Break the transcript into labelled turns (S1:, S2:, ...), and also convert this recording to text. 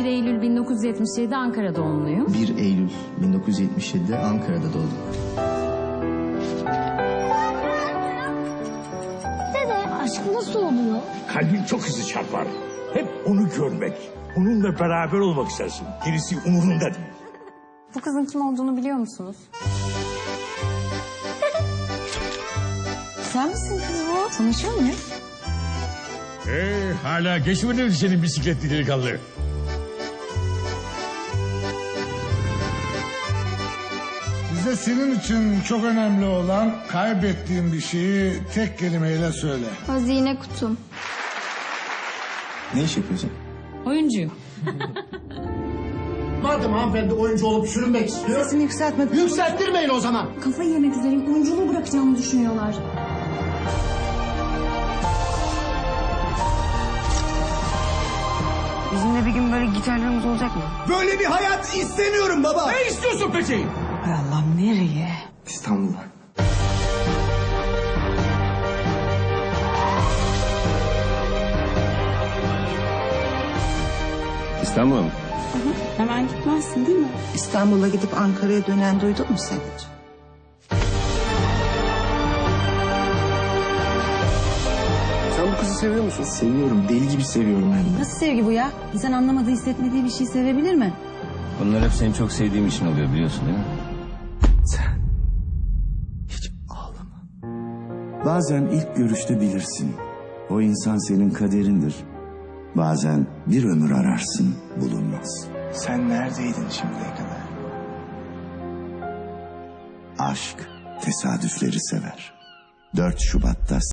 S1: 1 Eylül 1977 Ankara doğumluyum.
S2: 1 Eylül 1977'de Ankara'da doğdum.
S3: Dede, aşk nasıl oluyor?
S4: Kalbin çok hızlı çarpar. Hep onu görmek, onunla beraber olmak istersin. Gerisi umurunda değil.
S1: Bu kızın kim olduğunu biliyor musunuz? Sen misin kız bu? Tanışıyor muyuz?
S4: Hala geçmedi mi senin bisikletli delikanlı?
S5: Bize senin için çok önemli olan kaybettiğin bir şeyi tek kelimeyle söyle.
S3: Hazine kutum.
S2: Ne iş yapıyorsun?
S1: Oyuncuyum.
S6: Madem hanımefendi oyuncu olup sürünmek istiyor...
S7: Sesini yükseltme.
S6: Yükselttirmeyin o zaman.
S7: Kafayı yemek üzereyim. Oyunculuğu bırakacağımı düşünüyorlar. Bizimle bir gün böyle gitarlarımız olacak mı?
S6: Böyle bir hayat istemiyorum baba. Ne istiyorsun peki?
S7: Hay Allah'ım, nereye?
S2: İstanbul'a.
S8: İstanbul'a mı?
S7: Hemen gitmezsin değil mi? İstanbul'a gidip Ankara'ya dönen duydun mu sen hiç?
S8: Sen bu kızı seviyor musun?
S2: Seviyorum, deli gibi seviyorum hem de.
S7: Nasıl sevgi bu ya? İnsan anlamadığı, hissetmediği bir şey sevebilir mi?
S8: Bunlar hep seni çok sevdiğim için oluyor, biliyorsun değil mi?
S2: Sen hiç ağlama. Bazen ilk görüşte bilirsin. O insan senin kaderindir. Bazen bir ömür ararsın, bulunmaz. Sen neredeydin şimdiye kadar? Aşk tesadüfleri sever. 4 Şubat'ta